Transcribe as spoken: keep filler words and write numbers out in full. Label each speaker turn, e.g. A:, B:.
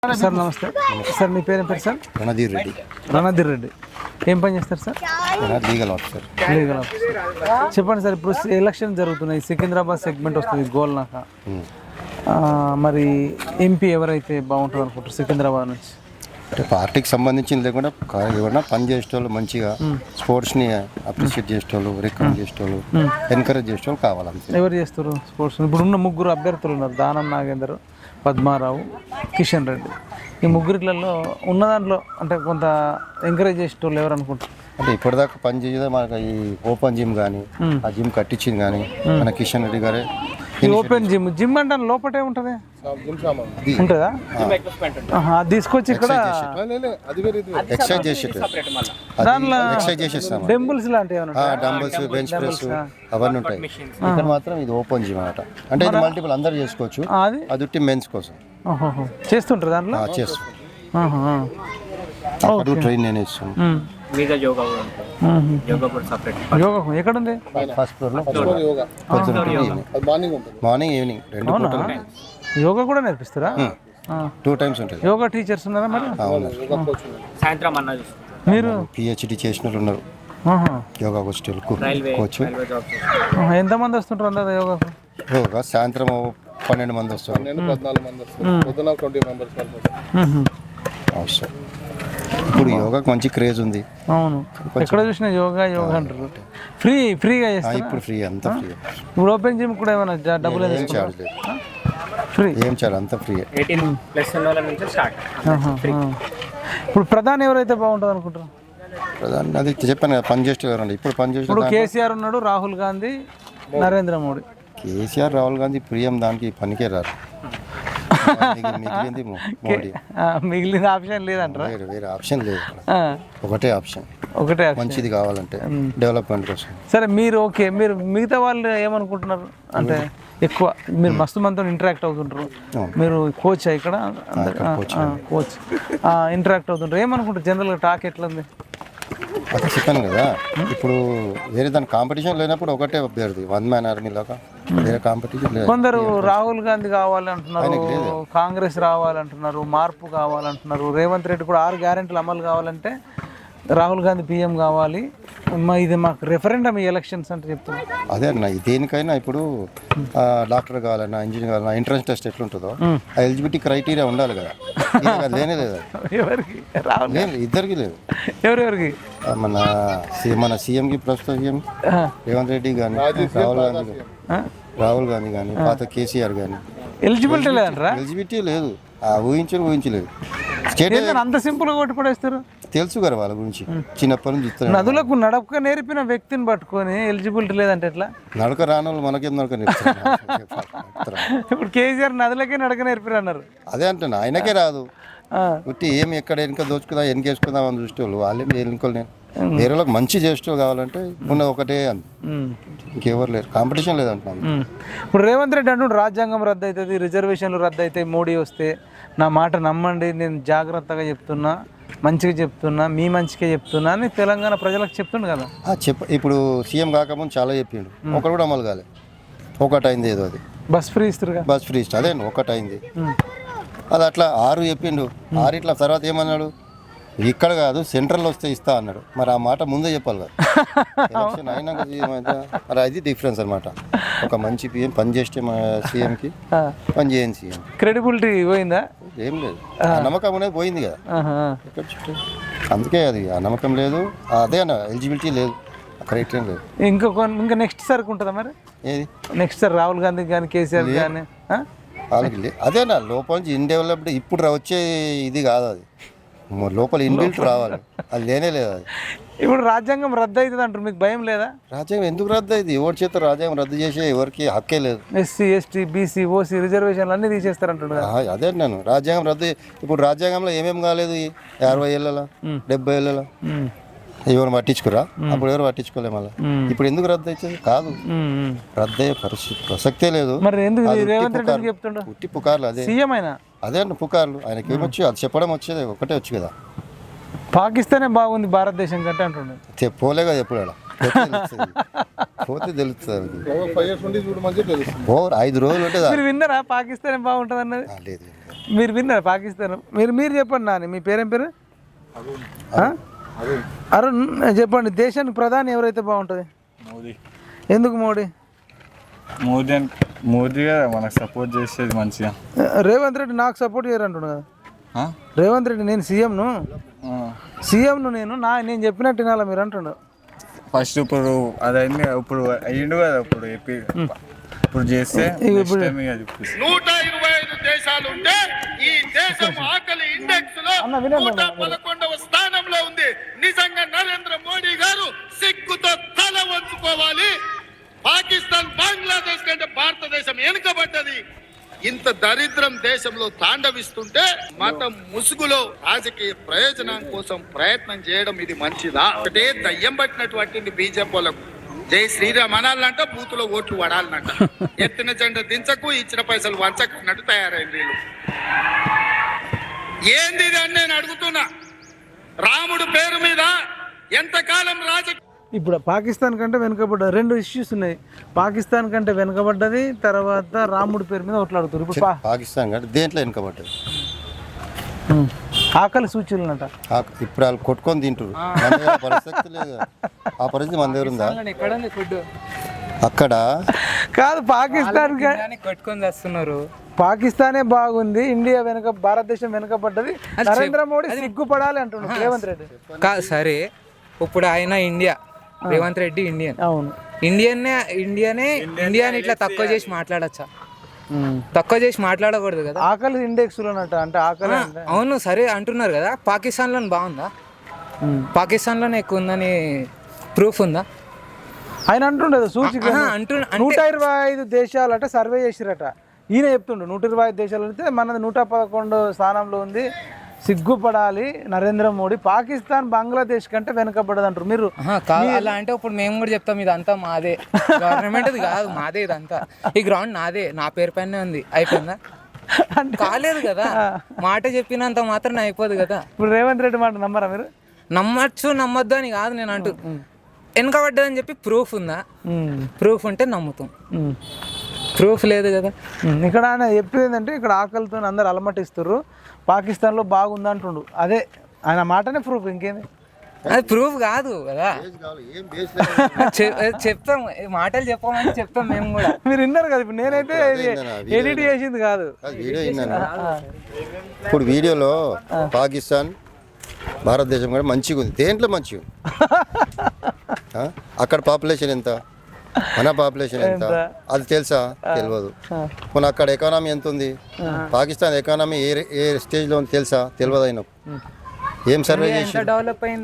A: Sir నమస్తే sir, మీ పేరు ఏం పేరు సార్?
B: రణధీర్ రెడ్డి.
A: రణధీర్ రెడ్డి ఏం పని చేస్తారు sir?
B: Legal officer.
A: Legal officer. చెప్పండి సార్, ఇప్పుడు ఎలక్షన్ జరుగుతున్నాయి, సికింద్రాబాద్ సెగ్మెంట్ వస్తుంది గోల్నాక. మరి ఎంపీ ఎవరైతే బాగుంటుంది అనుకుంటారు సికింద్రాబాద్ నుంచి?
B: అంటే పార్టీకి సంబంధించింది లేకుండా ఎవరైనా పని చేసేటోళ్ళు, మంచిగా స్పోర్ట్స్ని అప్రిషియేట్ చేసేటోళ్ళు, రికమెండ్ చేసేటోళ్ళు, ఎంకరేజ్ చేసేటోళ్ళు కావాలంతే.
A: ఎవరు చేస్తారు స్పోర్ట్స్? ఇప్పుడు ఉన్న ముగ్గురు అభ్యర్థులు ఉన్నారు, దానం నాగేందర్, పద్మారావు, కిషన్ రెడ్డి. ఈ ముగ్గురిట్లలో ఉన్న దాంట్లో అంటే కొంత ఎంకరేజ్ చేసేటోళ్ళు ఎవరు అనుకుంటారు?
B: అంటే ఇప్పటిదాకా పని చేయదా మనకు ఈ ఓపెన్ జిమ్ కానీ ఆ జిమ్ కట్టించింది కానీ మన కిషన్ రెడ్డి గారే.
A: ఈ ఓపెన్ జిమ్ జిమ్ అంటే లోపటే ఉంటుంది ఉంటుందా? అది తీసుకొచ్చి ఇక్కడ
B: ఎక్సర్సైజ్ చేసి
A: దాంట్లో
B: ఎక్సర్సైజ్ చేసేస్తాం.
A: డంబుల్స్ లాంటివి
B: డంబుల్స్, బెంచ్ ప్రెస్ అవన్నీ ఉంటాయి. ఇక్కడ మాత్రం ఇది ఓపెన్ జిమ్ అన్నమాట. అంటే ఇది మల్టిపుల్ అందరు చేసుకోవచ్చు. అది ఉట్టి మెన్స్ కోసం
A: చేస్తుంటారు దాంట్లో
B: చేస్తాం. ట్రైన్ నేను ఇస్తాను.
A: యోగా ఎక్కడ ఉంది?
B: ఫస్ట్ ఫ్లోర్ లో మార్నింగ్ ఈవినింగ్ రెండు పూటలు
A: యోగా కూడా నేర్పిస్తారా?
B: టూ టైమ్స్ ఉంటుంది.
A: యోగా టీచర్స్ ఉన్నారా మరి?
C: సాయంత్రం అన్న
A: మీరు
B: పిహెచ్డి చేసిన వాళ్ళు ఉన్నారు యోగా కోచ్.
A: ఎంతమంది వస్తుంటారు అందరు యోగాకు?
B: యోగా సాయంత్రం పన్నెండు మంది వస్తారు. అవసరం. ఇప్పుడు యోగాకి మంచి క్రేజ్ ఉంది.
A: అవును, ఎక్కడ చూసినా యోగా యోగా అంటారు. ఫ్రీ ఫ్రీగా చేస్తారు
B: ఇప్పుడు. ఫ్రీ అంతా ఫ్రీ.
A: ఇప్పుడు ఓపెన్ జిమ్ కూడా ఏమైనా డబ్బులు
B: ఏం చార్జ్ లేదు.
A: ఫ్రీ
B: ఏం చార్జ్ అంతా ఫ్రీ.
A: ఇప్పుడు ప్రధాని ఎవరైతే బాగుంటుంది అనుకుంటారు?
B: ప్రధాని అది చెప్పాను కదా, పని చేస్తే ఎవరండి ఇప్పుడు పని చేస్తే.
A: ఇప్పుడు కేసీఆర్ ఉన్నాడు, రాహుల్ గాంధీ, నరేంద్ర మోడీ.
B: కేసీఆర్, రాహుల్ గాంధీ ప్రియం దానికి పనికే రారు.
A: మిగిలిన ఆప్షన్ లేదంటారా?
B: వేరే వేరే ఆప్షన్ లేదు, ఒకటే ఆప్షన్.
A: ఒకటే
B: మంచిది కావాలంటే డెవలప్మెంట్ కోసం.
A: సరే, మీరు ఓకే, మీరు మిగతా వాళ్ళు ఏమనుకుంటున్నారు అంటే ఎక్కువ మీరు మస్తు మందితో ఇంటరాక్ట్ అవుతుంటారు, మీరు కోచ్ ఇక్కడ కోచ్ ఇంటరాక్ట్ అవుతుంటారు, ఏమనుకుంటారు జనరల్గా టాక్ ఎట్లుంది?
B: అదే చెప్పాను కదా, ఇప్పుడు వేరే దాని కాంపిటీషన్ లేనప్పుడు ఒకటే అభ్యర్థి, వన్ మ్యాన్ ఆర్మీ లాగా వేరే కాంపిటీషన్ లేదు.
A: కొందరు రాహుల్ గాంధీ కావాలంటున్నారు, కాంగ్రెస్ రావాలంటున్నారు, మార్పు కావాలంటున్నారు, రేవంత్ రెడ్డి కూడా ఆరు గ్యారెంటీలు అమలు కావాలంటే రాహుల్ గాంధీ పీఎం కావాలి, మా ఇది మాకు రెఫరెండం ఈ ఎలక్షన్స్ అంటే చెప్తున్నారు.
B: అదే అన్న, దేనికైనా ఇప్పుడు డాక్టర్ కావాలన్నా, ఇంజనీర్ కావాలన్నా ఎంట్రన్స్ టెస్ట్ ఎట్లుంటుందో ఆ ఎలిజిబిలిటీ క్రైటీరియా ఉండాలి కదా. లేనే లేదు.
A: ఎవరికి?
B: ఇద్దరికి లేదు.
A: ఎవరెవరికి?
B: మన మన సీఎంకి, ప్రస్తుత సీఎం రేవంత్ రెడ్డి కానీ, రాహుల్ గాంధీ రాహుల్ గాంధీ కానీ, పాత కేసీఆర్ కానీ
A: ఎలిజిబిలిటీ లేదంటారా?
B: ఎలిజిబిలిటీ లేదు. ఊహించరు ఊహించలేదు.
A: స్టేట్ అంత సింపుల్గా కొట్టి పడేస్తారు.
B: తెలుసు కదా వాళ్ళ గురించి, చిన్నప్పటి నుంచి చూస్తారు.
A: నదులకు నడక నేర్పిన వ్యక్తిని పట్టుకొని ఎలిజిబిలిటీ లేదంటే ఎట్లా?
B: నడక రాని వాళ్ళు మనకేం నడక నేర్పుతారు?
A: ఇప్పుడు కేసీఆర్ నదులకే నడక నేర్పిరు అన్నారు.
B: అదే అంటున్నా, ఆయనకే రాదు. ఉట్టి ఏమి ఎక్కడ వెనుక దోచుకుందాం, వెనకేసుకుందాం అని చూసేవాళ్ళు వాళ్ళేం ఎన్నుకోలు. నేను వేరే వాళ్ళకి మంచి చేసేవాళ్ళు కావాలంటే ఉన్నది ఒకటే అంది, ఇంకెవరు లేరు, కాంపిటీషన్ లేదంటున్నాను.
A: ఇప్పుడు రేవంత్ రెడ్డి అంటుండు రాజ్యాంగం రద్దు అవుతుంది, రిజర్వేషన్లు రద్దు అవుతాయి, మోడీ వస్తే నా మాట నమ్మండి, నేను జాగ్రత్తగా చెప్తున్నా, మంచిగా చెప్తున్నా, మీ మంచిగా చెప్తున్నా అని తెలంగాణ ప్రజలకు చెప్తుండు కదా.
B: చెప్ప ఇప్పుడు సీఎం కాకముందు చాలా చెప్పిండు, ఒకటి కూడా అమలు కాలే. ఒకటి అయింది ఏదో, అది
A: బస్ ఫ్రీ ఇస్తారు,
B: బస్ ఫ్రీ ఇస్తారు, అదే ఒకటి అయింది. అది అట్లా ఆరు చెప్పిండు, ఆరు ఇట్లా తర్వాత ఏమన్నాడు, ఇక్కడ కాదు సెంట్రల్ వస్తే ఇస్తా అన్నాడు. మరి ఆ మాట ముందే చెప్పాలి కదా, ఎలక్షన్ అయినాక మరి అది డిఫరెన్స్ అనమాట. ఒక మంచి పిఎం పని చేస్తే సీఎంకి పని చేయని సీఎం
A: క్రెడిబిలిటీ పోయిందా?
B: ఏం లేదు, ఆ నమ్మకం అనేది పోయింది కదా. ఎక్కడ చుట్టూ అందుకే అది ఆ నమ్మకం లేదు, అదే అన్న ఎలిజిబిలిటీ లేదు, క్రైటీరియా లేదు.
A: ఇంకొక ఇంకా నెక్స్ట్ సార్కి ఉంటుందా మరి?
B: ఏది
A: నెక్స్ట్ సార్ రాహుల్ గాంధీ కానీ కేసీఆర్ కానీ
B: వాళ్ళకి అదేనా లోపల నుంచి ఇన్డెవలప్డ్ ఇప్పుడు వచ్చే ఇది కాదు, అది లోపల ఇన్బిల్ట్ రావాలి, అది లేనే లేదు. అది
A: ఇప్పుడు రాజ్యాంగం రద్దు అవుతుంది అంటారు, మీకు భయం లేదా? రాజ్యాంగం
B: ఎందుకు రద్దు అయింది? ఎవరి చేత రాజ్యాంగం రద్దు చేసే ఎవరికి హక్కే లేదు.
A: ఎస్సీ ఎస్టీ బీసీ ఓసీ రిజర్వేషన్లు అన్నీ తీసేస్తారంటాడు.
B: అదే నేను రాజ్యాంగం రద్దు. ఇప్పుడు రాజ్యాంగంలో ఏమేమి కాలేదు, అరవై ఏళ్ళలో డెబ్బై ఏళ్ళలో ఎవరు పట్టించుకురా? అప్పుడు ఎవరు పట్టించుకోలే. మళ్ళీ ఇప్పుడు ఎందుకు రద్దు అవుతుంది? కాదు, రద్దు అయ్యే పరిస్థితి ప్రసక్తే లేదు. పుట్టి పుకార్లు అదే
A: సీఎం అయినా
B: అదే అన్న పుకార్లు. ఆయనకి ఏమొచ్చు అది చెప్పడం వచ్చేది ఒకటే వచ్చు కదా,
A: పాకిస్తానే బాగుంది భారతదేశం కంటే అంటుండే.
B: పోలే కదా ఎప్పుడు అలా పోతే తెలుస్తుంది
D: ఫైవ్ ఇయర్స్ నుండి చూడు మంచిగా తెలుస్తుంది.
B: ఓ ఐదు రోజులు ఉంటుంది
A: మీరు విన్నారా పాకిస్తాన్ బాగుంటుంది అన్నది?
B: లేదు
A: మీరు విన్నారా పాకిస్తాన్? మీరు మీరు చెప్పండి నాని, మీ పేరేం పేరు? ఆ? అరుణ్ చెప్పండి, దేశానికి ప్రధాని ఎవరైతే బాగుంటుంది?
E: మోదీ.
A: ఎందుకు మోడీ?
E: మోదీ అన్- మోదీ కదా మనకు సపోర్ట్ చేసేది మంచిగా.
A: రేవంత్ రెడ్డి నాకు సపోర్ట్ చేయరంటుండు కదా.
E: ఆ?
A: రేవంత్ రెడ్డి నేను సీఎంను
E: ఆ.
A: సీఎంను నేను నా నేను చెప్పినట్టు వినాలా మీరు అంటుండు.
E: ఫస్ట్ ఇప్పుడు అదైంది, ఇప్పుడు అయ్యిండు కదా, ఇప్పుడు ఏపీ ఇప్పుడు చేస్తే next time ఇక చూపిస్తా.
F: నూట ఇరవై ఐదు దేశాలు ఉంటే ఈ దేశం ఆకలి ఇండెక్స్ లో
A: అన్న వినండి
F: నూట పదకొండవ స్థానంలో ఉంది. నిజంగా నరేంద్ర మోడీ గారు సిగ్గుతో తల వంచుకోవాలి. పాకిస్తాన్ బంగ్లాదేశ్ కంటే భారతదేశం వెనుకబడ్డది. ఇంత దరిద్రం దేశంలో తాండవిస్తుంటే మతం ముసుగులో రాజకీయ ప్రయోజనం కోసం ప్రయత్నం చేయడం ఇది మంచిదా? ఒకటే దయ్యం పట్టినటువంటి బీజేపీ వాళ్ళకు జై శ్రీరామ్ అనాలంట, బూతులో ఓట్లు పడాలనంట. ఎత్తిన జెండా దించకు, ఇచ్చిన పైసలు వంచకున్నట్టు తయారైంది వీళ్ళు. ఏంది ఇది అని నేను అడుగుతున్నా. రాముడు పేరు మీద ఎంతకాలం రాజకీయ
A: ఇప్పుడు పాకిస్తాన్ కంటే వెనుకబడ్డ రెండు ఇష్యూస్ ఉన్నాయి. పాకిస్తాన్ కంటే వెనుకబడ్డది, తర్వాత రాముడి పేరు మీద కొట్లాడుతారు. ఇప్పుడు పా-
B: పాకిస్తాన్ కంటే దేంట్లో వెనుకబడ్డది.
A: ఉమ్. ఆకలి సూచనలంట.
B: ఆ- ఇప్పుడు వాళ్ళు కొట్టుకొని తింటారు. మన దగ్గర పరిస్థితి లేదు. ఆ పరిస్థితి మన దగ్గర ఉందా? అక్కడ
A: కాదు, పాకిస్తాన్ క-
G: కొట్టుకొని వస్తున్నారు.
A: పాకిస్తానే బాగుంది, ఇండియా వెనక, భారతదేశం వెనకబడ్డది. నరేంద్ర మోడీ సిగ్గుపడాలి అంటున్నాడు రేవంత్ రెడ్డి.
G: కాదు సరే, ఇప్పుడు ఆయన ఇండియా, రేవంత్ రెడ్డి ఇండియన్.
A: అవును.
G: ఇండియన్నే ఇండియానే ఇండియాని ఇట్లా తక్కువ చేసి మాట్లాడచ్చా? తక్కువ చేసి మాట్లాడకూడదు కదా.
A: ఆకలి ఇండెక్స్ లోనట, అంటే ఆకలి అంటే
G: అవును సరే అంటున్నారు కదా. పాకిస్తాన్లో బాగుందా? పాకిస్తాన్లోనే ఎక్కువ ఉందని ప్రూఫ్ ఉందా?
A: ఆయన అంటుండదు సూచిక.
G: ఆహా, అంటు
A: నూట ఇరవై ఐదు దేశాలు అంటే సర్వే చేసిరట. ఈయన చెప్తుండు నూట ఇరవై ఐదు దేశాలు అయితే మనది నూట పదకొండు స్థానంలో ఉంది, సిగ్గుపడాలి నరేంద్ర మోడీ. పాకిస్తాన్ బంగ్లాదేశ్ కంటే వెనకబడదు అంటారు మీరు.
G: ఆహా, కాదు అలా అంటే ఇప్పుడు మేము కూడా చెప్తాం ఇదంతా మాదే, గవర్నమెంట్ది కాదు, మాదే ఇదంతా. ఈ గ్రౌండ్ నాదే, నా పేరు పైనే ఉంది. అయిపోయిందా? కాలేదు కదా. మాట చెప్పినంత మాత్రం అయిపోదు కదా.
A: ఇప్పుడు రేవంత్ రెడ్డి మాట నమ్మరా మీరు?
G: నమ్మచ్చు నమ్మొద్దు అని కాదు నేను అంటూ, వెనకబడ్డదని చెప్పి ప్రూఫ్ ఉందా? ప్రూఫ్ ఉంటే నమ్ముతాం, ప్రూఫ్ లేదు కదా.
A: ఇక్కడ ఆయన చెప్పేది ఏంటంటే ఇక్కడ ఆకలితో అందరు అలమటిస్తారు, పాకిస్తాన్లో బాగుంది అంటుండు. అదే ఆయన మాటనే ప్రూఫ్, ఇంకేంది?
G: అది ప్రూఫ్ కాదు కదా.
B: ఏం బేస్ లేదు.
G: చె- చెప్తాం, మాటలు చెప్పమని చెప్తాం మేము కూడా.
A: మీరు విన్నారు కదా. ఇప్పుడు నేనైతే ఎడిట్ చేసింది కాదు.
B: అది వీడియో విన్నాను. ఇప్పుడు వీడియోలో పాకిస్తాన్ భారతదేశం కూడా మంచిగా ఉంది. దేంట్లో మంచిగా ఉంది? ఆ? అక్కడ పాపులేషన్ ఎంత, మన పాపులేషన్ ఎంత, అది తెలుసా? తెలియదు. మన అక్కడ ఎకానమీ ఎంత ఉంది? పాకిస్తాన్ ఎకానమీ ఏ ఏ స్టేజ్లో ఉంది తెలుసా? తెలియదు. అయినా ఏం సర్వే చేసి
G: డెవలప్ అయింది